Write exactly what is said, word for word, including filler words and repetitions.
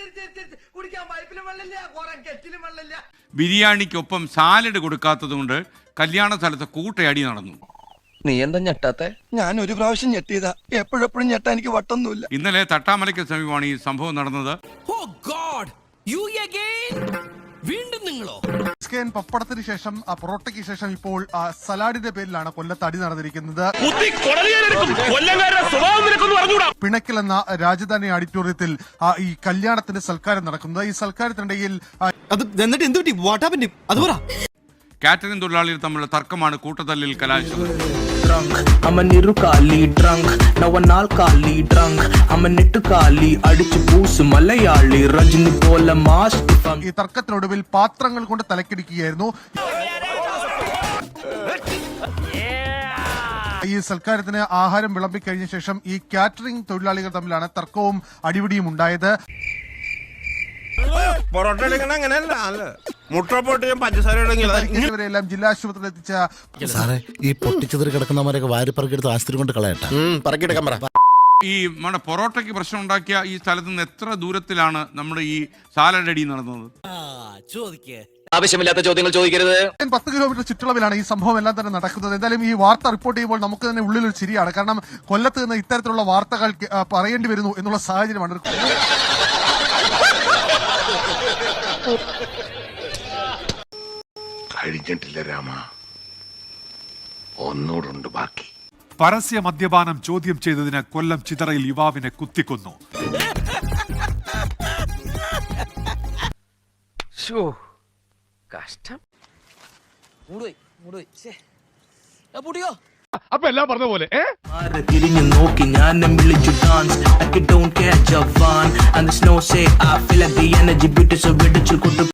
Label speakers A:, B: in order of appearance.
A: ബിരിയാണിക്കൊപ്പം salad കൊടുക്കാത്തതുകൊണ്ട് കല്യാണ സ്ഥലത്ത് കൂട്ടയടി നടന്നു.
B: നീ എന്താ ഞെട്ടാത്തെ? ഞാൻ ഒരു പ്രാവശ്യം ഞെട്ടിയതാ, എപ്പോഴെപ്പോഴും ഞെട്ടാ എനിക്ക് വട്ടൊന്നുമില്ല.
A: ഇന്നലെ തട്ടാമലയ്ക്ക് സമീപമാണ് ഈ സംഭവം നടന്നത്.
C: വീണ്ടും നിങ്ങളോ?
D: പപ്പടത്തിന് ശേഷം പൊറോട്ടയ്ക്ക് ശേഷം ഇപ്പോൾ സലാഡിന്റെ പേരിലാണ് കൊല്ലത്ത് അടി നടന്നിരിക്കുന്നത്. പിണക്കൽ എന്ന രാജധാനി ഓഡിറ്റോറിയത്തിൽ ഈ കല്യാണത്തിന്റെ സൽക്കാരം നടക്കുന്നത്. ഈ സൽക്കാരത്തിനിടയിൽ
A: കാറ്ററിംഗ് തൊഴിലാളികൾ തമ്മിലുള്ള തർക്കമാണ് കൂട്ടത്തല്ലിൽ കലാശിച്ചത്.
D: ഈ തർക്കത്തിനൊടുവിൽ പാത്രങ്ങൾ കൊണ്ട് തലക്കിടിക്കുകയായിരുന്നു. ഈ സൽക്കാരത്തിന് ആഹാരം വിളമ്പിക്കഴിഞ്ഞ ശേഷം ഈ കാറ്ററിംഗ് തൊഴിലാളികൾ തമ്മിലാണ് തർക്കവും അടിപിടിയും ഉണ്ടായത്. ഇവരെല്ലാം ജില്ലാ ആശുപത്രിയിൽ എത്തിച്ച
E: സാറേ, ഈ പൊട്ടിച്ചെതിരി കിടക്കുന്നവരൊക്കെ വാരിപ്പറക്കെടുത്ത് ആശുപത്രി കൊണ്ട് കളയട്ടെ.
A: ഈ നമ്മുടെ പൊറോട്ടയ്ക്ക് പ്രശ്നം ഉണ്ടാക്കിയ ഈ സ്ഥലത്ത് നിന്ന് എത്ര ദൂരത്തിലാണ് നമ്മുടെ ഈ സാലഡ് അടി നടന്നത്?
B: ആവശ്യമില്ലാത്ത ചോദ്യങ്ങൾ ചോദിക്കരുത്.
D: പത്ത് കിലോമീറ്റർ ചുറ്റളവിലാണ് ഈ സംഭവം എല്ലാം തന്നെ നടക്കുന്നത്. എന്തായാലും ഈ വാർത്ത റിപ്പോർട്ട് ചെയ്യുമ്പോൾ നമുക്ക് തന്നെ ഉള്ളിലൊരു ചിരിയാണ്. കാരണം കൊല്ലത്ത് നിന്ന് ഇത്തരത്തിലുള്ള വാർത്തകൾ പറയേണ്ടി വരുന്നു എന്നുള്ള സാഹചര്യമാണ്.
F: കഴിഞ്ഞിട്ടില്ല രാമ, ഒന്നൂടുണ്ട് ബാക്കി.
G: പരസ്യ മദ്യപാനം ചോദ്യം ചെയ്തതിന് കൊല്ലം ചിതറയിൽ യുവാവിനെ കുത്തിക്കൊന്നു.
H: അപ്പൊ എല്ലാം പറഞ്ഞ പോലെ
C: തിരിഞ്ഞു നോക്കി ഞാൻ വിളിച്ചു ഡാൻസ്.